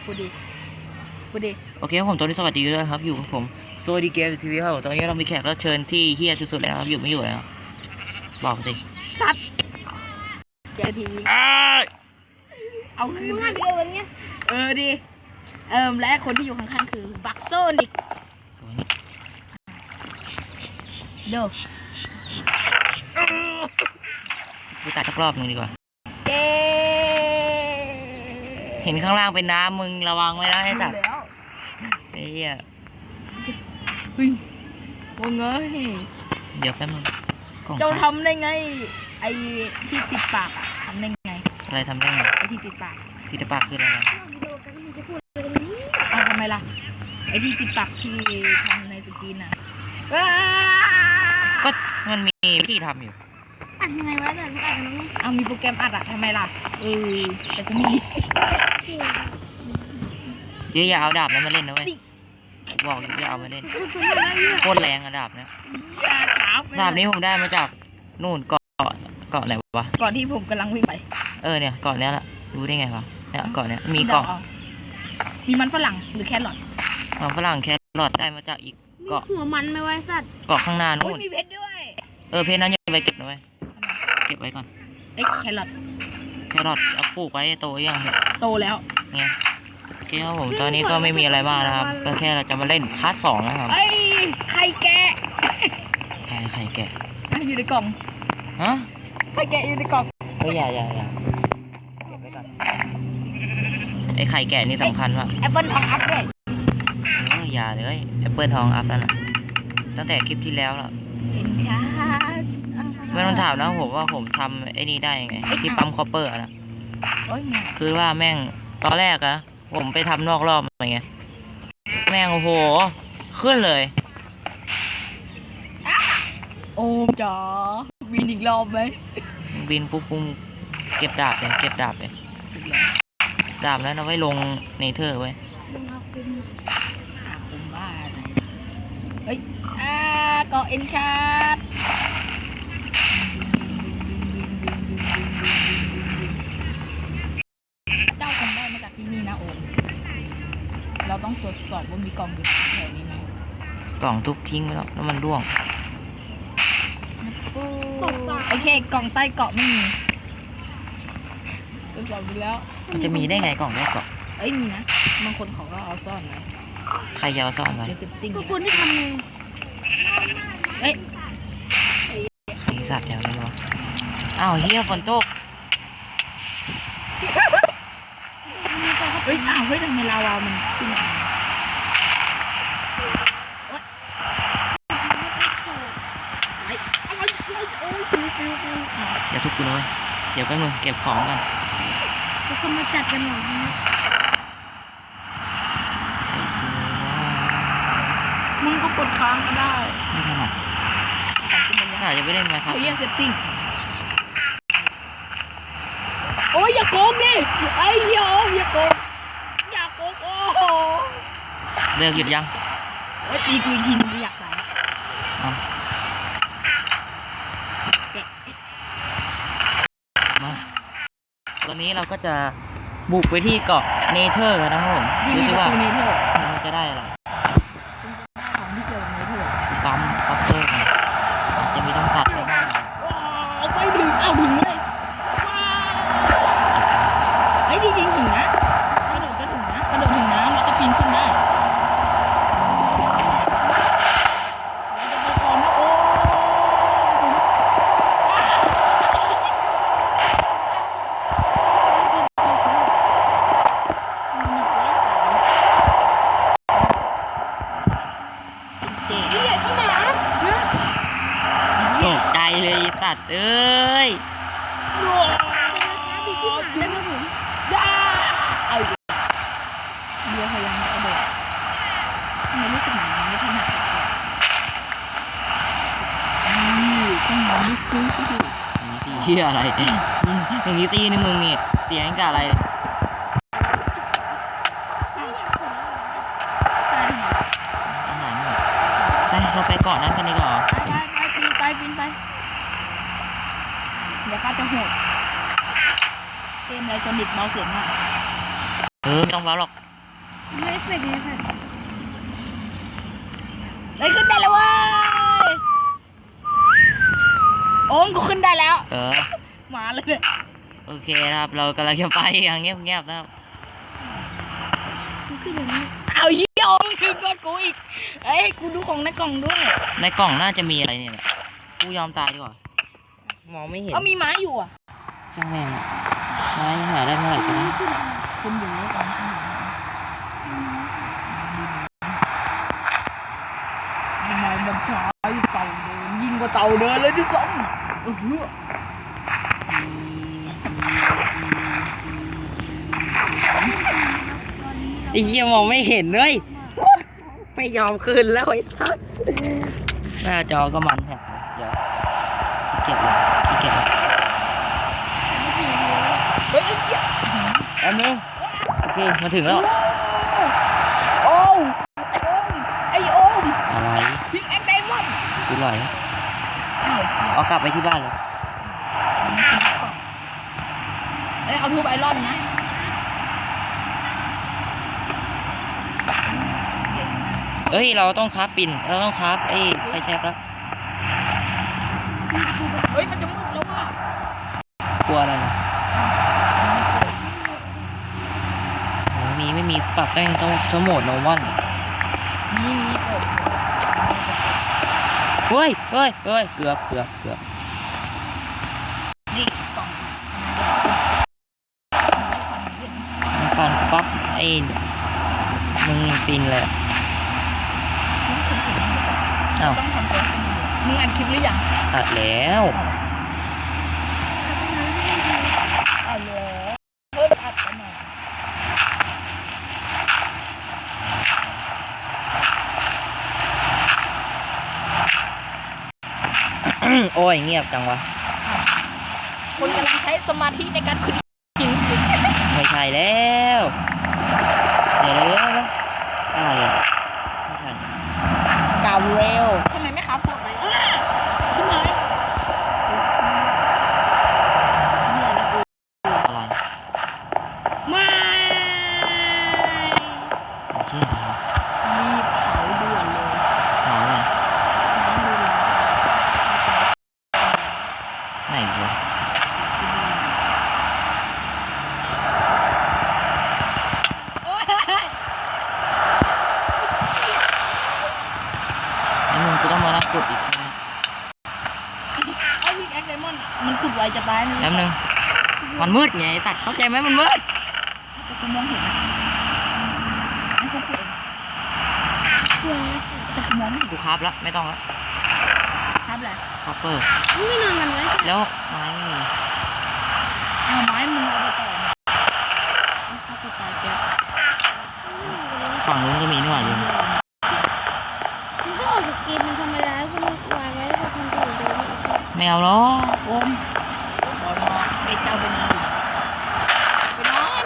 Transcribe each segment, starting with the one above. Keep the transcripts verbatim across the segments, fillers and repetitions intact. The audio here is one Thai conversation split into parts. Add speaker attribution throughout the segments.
Speaker 1: พูดดิพูดดิ
Speaker 2: โอเคผมตอนนี้สวัสดีด้วยครับอยู่กับผมสวัสดีเกมทีวีครับตอนนี้เรามีแขกรับเชิญที่เฮี้ยสุดๆแล้วครับอยู่ไม่อยู่แล้วบอกสิ
Speaker 1: สัตว์เจอทีวีเอาคืนเดินเงี้ยเออดิเอิมและคนที่อยู่ข้างๆคือบักโซนิกเด้อ
Speaker 2: ไปตัดสักรอบหนึ่งดีกว่าเห็นข้างล่างเป็นน้ำมึงระวังไว้นะไอ้สัตว์ไอ้เหี้ย
Speaker 1: เฮ้ยว่าไง
Speaker 2: เดี๋ยวแป๊บนึง
Speaker 1: เจ้าทำได้ไงไอ้ที่ติดปากอะทำได้ไง
Speaker 2: อะไรทำได้ไง
Speaker 1: ไอ้ที่ติดปาก
Speaker 2: ที่ติดปากคืออะไร
Speaker 1: เอาทำไมล่ะไอ้ที่ติดปากที่ทำในสกรีนน่ะ
Speaker 2: ก็มันมีวิธีทำอยู่
Speaker 1: อัดยังไงวะแต่ไม่อัดน้องเอามีโปรแกรมอัดอะทำไมล่ะเออแต่ก็มี
Speaker 2: เดี๋ยวอย่าเอาดาบนั้นมาเล่นนะเว้ยบอกอยู่อย่าเอามาเล่นโคตรแรงอะดาบเนี้ยดาบนี้ผมได้มาจากนู่นเกาะเกาะไหนวะ
Speaker 1: เกาะที่ผมกำลังวิ่งไป
Speaker 2: เออเนี่ยเกาะเนี้ยแหละรู้ได้ไงวะเนี่ยเกาะเนี้ยมีเกาะ
Speaker 1: มีมันฝรั่งหรือแครอท
Speaker 2: มันฝรั่งแครอทได้มาจากอีกเกาะ
Speaker 1: หัวมันไม่ไว้สัตว์
Speaker 2: เกาะข้างหน้านู่น
Speaker 1: มีเพชรด้วย
Speaker 2: เออเพชรนั้นยังไปเก็บนะเว้ยเก็บไว้ก่อน
Speaker 1: เอ้แครอท
Speaker 2: แครอทเอาปลูกไว้โตยัง
Speaker 1: โตแล้ว
Speaker 2: เนี่ยโอเคครับผมตอนนี้ก็ไม่มีอะไรมากนะครับก็แค่เราจะมาเล่นพาร์ทสองนะครับ
Speaker 1: ไอ้ไข่แกะ
Speaker 2: ไข่ไข่แกะ
Speaker 1: อยู่ในกล่อง
Speaker 2: ฮะ
Speaker 1: ไข่แกะอยู่ในกล่อง
Speaker 2: เฮ้ยอย่าอย่าอย่าเก็บไว้ก่อนไอ้ไข่แกะนี่สำคัญว่ะ
Speaker 1: แอปเปิลทองอัพเลย
Speaker 2: เอออย่าเลยแอปเปิลทองอัพนั่นน่ะตั้งแต่คลิปที่แล้วแล้ว
Speaker 1: เป็นชา
Speaker 2: ไม่ต้องถามนะผมว่าผมทำไอ้นี่ได้ยังไงที่ปั๊มคอปเปอร์นะคือว่าแม่งตอนแรกอะผมไปทำนอกรอบอะไรเงี้ยแม่งโอ้โหขึ้นเลย
Speaker 1: โอ้จ๋าบินอีกรอบไหม
Speaker 2: บินปุ๊บปุ๊บเก็บดาบเลยเก็บดาบเลยดาบแล้วเอาไว้ลงเนเธอร์ไว้
Speaker 1: คุมบ้าเฮ้ยอ่าเกาะเอ็นชาร์ดเจ้าคงได้มาจากที่นี่นะโอมเราต้องตรวจสอบว่ามีกล่องอยู่แถวนี้ไหม
Speaker 2: กล่องทุบทิ้งไปแล้วแล้วมันร่วง
Speaker 1: โอเคกล่องใต้เกาะไม่มีตรวจสอบดูแล้ว
Speaker 2: มันจะมีได้ไงกล่องใต้เกาะ
Speaker 1: เอ้ยมีนะบางคนเขาก็เอาซ่อนไว้
Speaker 2: ใครจะเอาซ่อนไว้
Speaker 1: ก็คนที่ทำไงเอ้ย
Speaker 2: ใครสัตว์แถวนี้วะอ้าวเฮียฝนตก
Speaker 1: เฮ้ยอ้าวเฮ้ยทำไมลาวามันขึ้นมา
Speaker 2: อย่าทุบกูเลยเดี๋ยวแป๊บนึงเก็บของกัน
Speaker 1: ทุกคนมาจัดกันหน่อยนะมึงก็กดค้างก็ได้
Speaker 2: ไม่ถนัดถ้าจะไปเล่นไหมครับ
Speaker 1: เฮ้ยเซตติ้งโอ้ยอย่าโกงดิไอ้ยอมอย่าโกงอย่าโกงโอ้โห
Speaker 2: เลิกหยุดยัง
Speaker 1: เฮ้ยตีกูอีกทีนึงอยากตาย
Speaker 2: มาตอนนี้เราก็จะบุกไปที่เกาะเนเธอร์นะครับผมดูสิว่ามันจะได้อะไร
Speaker 1: ของที่เกี่ยวกับเนเธอร์
Speaker 2: ปั๊มคอปเปอร์กันอาจจะมีต้องตัดไปบ้าง
Speaker 1: เอาไปถึงเอาถึงเลยไอ้จริงๆถึงนะกระโดดก็ถึงนะกระโดดถึงน้ำแล้วก็ปีนขึ้นได้
Speaker 2: ตกใจเลยสัตว์เอ้ย
Speaker 1: ได้มาถึงย่าเอาเรือพยายามกระโดดทำไมรู้สึกเหมือนไม่ถนัดนี่ต้องมองดิซิ
Speaker 2: นี่ซีอะไรอย่างนี้ซีนี่มึงนี่เสียงกับอะไรไปเราไปเกาะนั้นกันดีกว่า
Speaker 1: ไปไปไปบินไปเดี๋ยวข้าจะโหดเกมอะไรจะบิดเบาเสียงอ่ะ
Speaker 2: เออไม่ต้องเบาหรอก
Speaker 3: ไม่ได้เป็นเลยค่ะ
Speaker 1: เฮ้ยขึ้นได้แล้วเว้ยโอ้มกูขึ้นได้แล้ว
Speaker 2: เออ
Speaker 1: มาเลยเนี่ย
Speaker 2: โอเคนะครับเรากำลังจะไปอย่างเงียบๆนะครับ
Speaker 3: มันขึ้นอย่างนี้
Speaker 1: เอาเยี่ยมขึ้นก่อนกูอีกเอ้ยกูดูของในกล่องด้วย
Speaker 2: ในกล่องน่าจะมีอะไรเนี่ยแหละกูยอมตายดีกว่ามองไม่เห็น
Speaker 1: เอามีไม้อยู่อ่ะ
Speaker 2: ช่างแม่งอะไม้หาได้เมื่อไหร่กันนะ
Speaker 1: คุณอยู่ในกล่องข้างหลังทำไมมันช้าอยู่เต่าเดินยิงกว่าเต่าเดินเลยด้วยซ้ำเออ
Speaker 2: ไอ้เหี้ยมองไม่เห็นเลยไม่ยอมคืนแล้วไอ้สัสหน้าจอก็มันแฮะเดี๋ยวขี้เกียจละขี้เกียจละ
Speaker 1: เฮ้ยไอ้เหี้ย
Speaker 2: แป๊บนึงโอเคมาถึงแล้ว
Speaker 1: โอ้วไอ้โอม
Speaker 2: อะไร
Speaker 1: พิกแอคไดมอนด์
Speaker 2: กูลอยแล้ว
Speaker 1: อ้าว
Speaker 2: เอากลับไปที่บ้านเลย
Speaker 1: เอ้ยเอาทูบไอรอนนะ
Speaker 2: เอ้ยเราต้องคราฟปิ่นเราต้องคราฟไอ้ไฟแช็กแล้ว
Speaker 1: เฮ้ยมันจะมืดแล้วว่ะ
Speaker 2: กลัวอะไรนะโอ้มีไม่มีปรับได้ต้องสโหมดโนมอน
Speaker 1: มีมีเกิด
Speaker 2: เฮ้ยเฮ้ยเฮ้ยเกือบเกือบเกือบ
Speaker 1: นี่กล่อง
Speaker 2: มันฟันปั๊บไอ้มึงปินเลยอ้าว
Speaker 1: ต้องทำตัวมึงอ่านคลิปหรือยัง
Speaker 2: ตัดแล้ว
Speaker 1: เอาเลยเพิ่มอัดกันหน่อย
Speaker 2: โอ้ยเงียบจังวะ
Speaker 1: คนกำลังใช้สมาธิในการขุดหิน
Speaker 2: ไม่ใช่แล้วเดี๋ยวเดี๋ยวเดี๋ยวอะไรอ่ะไม่ใช่
Speaker 1: กาวเรลทำไมไม่ครับพวกอะไรเออขึ้นมา
Speaker 2: อะไร
Speaker 1: ไม่
Speaker 2: ไม่ใช่เหรอ
Speaker 1: รีบเผาด่วนเลย
Speaker 2: หนาวเลย
Speaker 1: น้ำดูแล
Speaker 2: ไหนวะ
Speaker 1: โอ้ย
Speaker 2: ไอ้มึงกูต้องมานับกดอีกนะ
Speaker 1: ไอ้วิกแอคไดมอนด์มันขุดไวจะตายเลย
Speaker 2: แป๊บนึงมันมืดไงไอ้สัตว์เข้าใจไหมมันมืด
Speaker 1: แต่กูมองเห็นนะไอ้กูขุดเองแต่กูมองไม่เห็น
Speaker 2: กูคราฟแล้วไม่ต้องแล้ว
Speaker 1: ครับแหละ
Speaker 2: คอปเปอร์
Speaker 3: ไม่นอนกันไว้
Speaker 2: แล้วไม้ไม่มี
Speaker 1: เอาไม้มึงเอาไปต่อเอาเข้าไปตายแก
Speaker 2: ฝั่งนู้นก็มีนี่หว่าลืม
Speaker 3: มันก็ออกจากเกมมันธรรมดาก็มันวางไว้ก็ทำตัวเดิม
Speaker 2: ไม่เอาหรอก
Speaker 1: โอมขอนอนไอ้เจ้าไปนอนไปนอน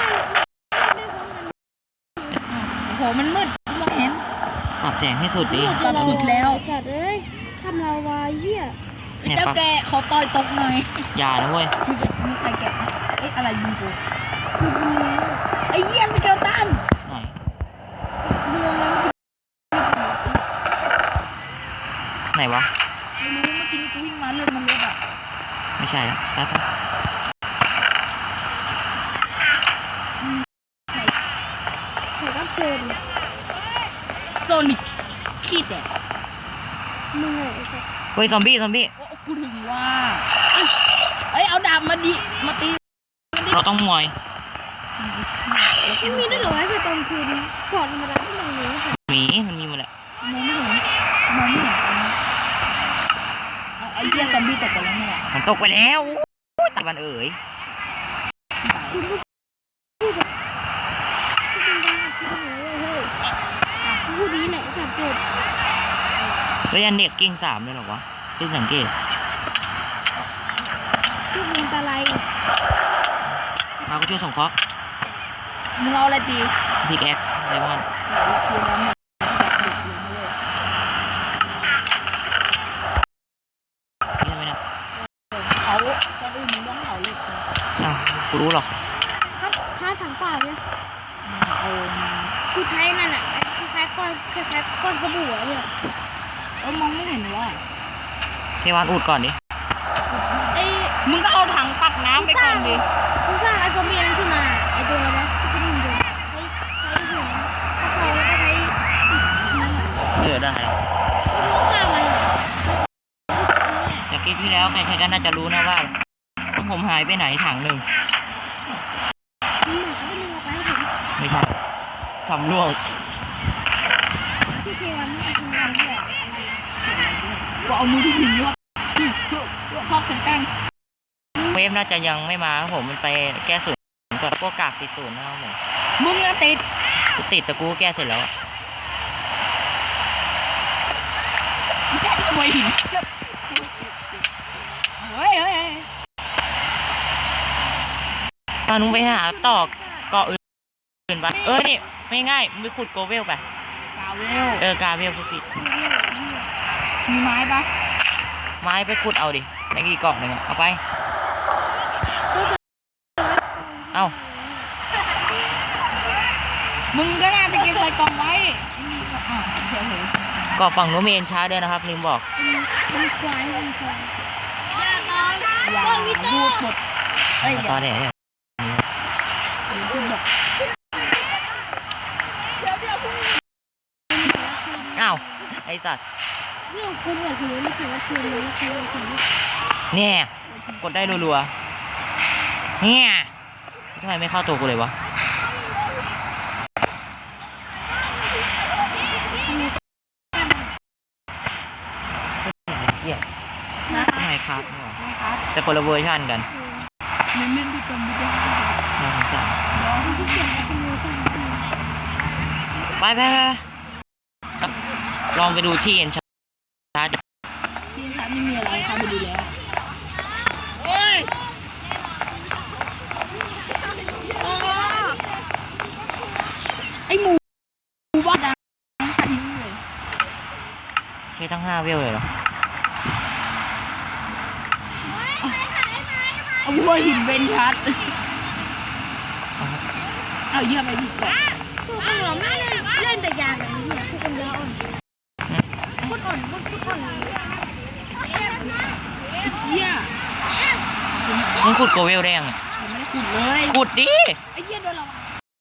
Speaker 1: โอ้โหมันมืดมองเห็น
Speaker 2: ปรับแสงให้สุดดิ
Speaker 1: ปรับสุดแล้ว
Speaker 3: สัตว์เอ้ยทำเราวายเหี้ย
Speaker 2: เนี่ย
Speaker 1: เจ้า
Speaker 2: ปรับ
Speaker 1: แกขอต่อยตกหน่อย
Speaker 2: อย่านะเว้ย
Speaker 1: มีมีใครแกะเอ้ยอะไรยิงกู
Speaker 3: คือมันแล้ว
Speaker 1: ไอ้เหี้ยสเกลตัน
Speaker 2: หน่อย
Speaker 3: ดวงแล้ว
Speaker 2: ไหนวะ
Speaker 1: ไม่รู้เมื่อกี้กูวิ่งมาเลือดมันลดอ่ะ
Speaker 2: ไม่ใช่แล้วแป๊บนึง
Speaker 3: แขกรับเชิญ
Speaker 1: โซนิกขี้แตก
Speaker 3: มึงไงไอ้สัตว์
Speaker 2: เฮ้ยซอมบี้ซอมบี้
Speaker 1: โอ้กูถึงว่าเอ้ยเอาดาบมาดิมาตี
Speaker 2: เราต้องมวย
Speaker 3: มันมีด้วยเหรอวะไอ้ตอนคืนก่อนธรรมดาที่มันมีค่ะ
Speaker 2: หมีมันมีหมดแหละ
Speaker 1: มองไม่เห็นมองไม่เห็นตอนนี้เอาไอ้เหี้ยซอมบี้ตกไปแล้วเนี่ย
Speaker 2: มันตกไปแล้วโอ้ยตะวันเอ๋ย
Speaker 3: พูดดีแหละสัตว์เกิด
Speaker 2: เฮ้ยอันเด็กเก่งสามเลยเหรอวะเพิ่งสังเกต
Speaker 3: พูดมันตะไล
Speaker 2: มาก็ช่วยส่งเคราะห์
Speaker 1: มึงเอาอะไรตี
Speaker 2: พิกแอคไดมอนด์
Speaker 1: คือน้ำเนี่ย
Speaker 2: นี่ทำไมเนี่ย
Speaker 1: เขาจะอื่นมึงต้องเขาเหล็กนะ
Speaker 2: อ้าวกูรู้หรอก
Speaker 3: ครับค้าถังเปล่าเนี่ย
Speaker 1: เอามา
Speaker 3: ใช้นั่นอ่ะคล้ายๆก้อนคล้ายๆก้อนกระบุอะเนี่ย
Speaker 1: เออมองไม่เห็นว่า
Speaker 2: เทวานอุดก่อนดิ
Speaker 3: ไอ้
Speaker 1: มึงก็เอาถังตักน้ำไปก่อนดิ
Speaker 3: คุณสร้างไอ้ซอมบี้นั้นขึ้นมาไอ้ตัวอะไรนะที่เป็นหุ่นยนต์ใช้ใช้หัวถ้าพอแล้วก็ใช้นั่นแหละ
Speaker 2: เจอได้แล้ว
Speaker 3: ฆ่ามัน
Speaker 2: จากคลิปที่แล้วใครๆก็น่าจะรู้นะว่าผมหายไปไหนถังหนึ่ง
Speaker 3: มีหมาก็ดึงออกไปให้ผม
Speaker 2: ไม่ใช่ทำร่วง
Speaker 3: ที่เทวันไม่ทำงานด้วย
Speaker 1: กูเอามือที่หินยกชอบเสียงแป้ง
Speaker 2: เวฟน่าจะยังไม่มาครับผมมันไปแก้ศูนย์ก่อนพวกกากติดศูนย์นะครับผม
Speaker 1: มึงอะติด
Speaker 2: กูติดแต่กูก็แก้เสร็จแล้วอะ
Speaker 1: แค่ขโมยหินเฮ้ยเฮ้ย
Speaker 2: ตอนนุ้งไปหาตอกเกาะอื่นไปเออนี่ไม่ง่ายมึงไปขุดโกเวลไป
Speaker 1: กาเวล
Speaker 2: เออกาเวลกูผิด
Speaker 1: มีไม้ปะ
Speaker 2: ไม้ไปขุดเอาดิในกี่กล่องหนึ่งอะเอาไป เอา
Speaker 1: มึงก็น่าจะเก็บใส่กล่องไว้นี่ก็อ่าเดี๋ยวเลย
Speaker 2: เกาะฝั่งนู้นมีเอ็นชาร์ด้วยนะครับลืมบอก
Speaker 3: มันควายมันควาย
Speaker 1: อย่าพูดหมดเอ้ย
Speaker 2: มา
Speaker 1: อย่า
Speaker 2: ตอนเนี้ยเนี่ย
Speaker 1: พูดหมด
Speaker 2: อ้าวไอสัตว์
Speaker 3: เรื่องคุณเหมือนถือนี่ถือว่าคืนเลยคือถือ
Speaker 2: เนี่ยกดได้รัวๆเนี่ยทำไมไม่เข้าตัวกูเลยวะเที่ย
Speaker 1: นะ
Speaker 2: ทำไมครับ
Speaker 1: นะครับ
Speaker 2: แต่คนละเวอร์ชันกัน
Speaker 1: เล่นเล่นที่จมไม่ได้
Speaker 2: น่าสงสาร
Speaker 1: ร้อง
Speaker 3: ที่เขียนว่าเป็นมือสั่น
Speaker 2: ไปไปไปลองไปดูที่เอ็นชาร์ด
Speaker 1: ที่ฉันไม่มีอะไรเข้าไปดูแล้วไอหมูหมูบ้าดังทิ้งเลย
Speaker 2: ใช้ทั้งห้าเวลเลยเหรอ
Speaker 1: เอาวัวหินเบนชัดเอาเยี่ยไปผิดก่อน
Speaker 3: คือคนเราไม่เล่นเล่นแต่ยาแบบนี้เนี่ยคือคนเยอะอ่อนคนอ่อนคนอ่อน
Speaker 1: เยี่ย
Speaker 2: มึงขุดโกเวลได้ยัง
Speaker 1: ผมไม่ได้ขุดเลย
Speaker 2: ขุดดิ
Speaker 1: ไอ้เหี้ย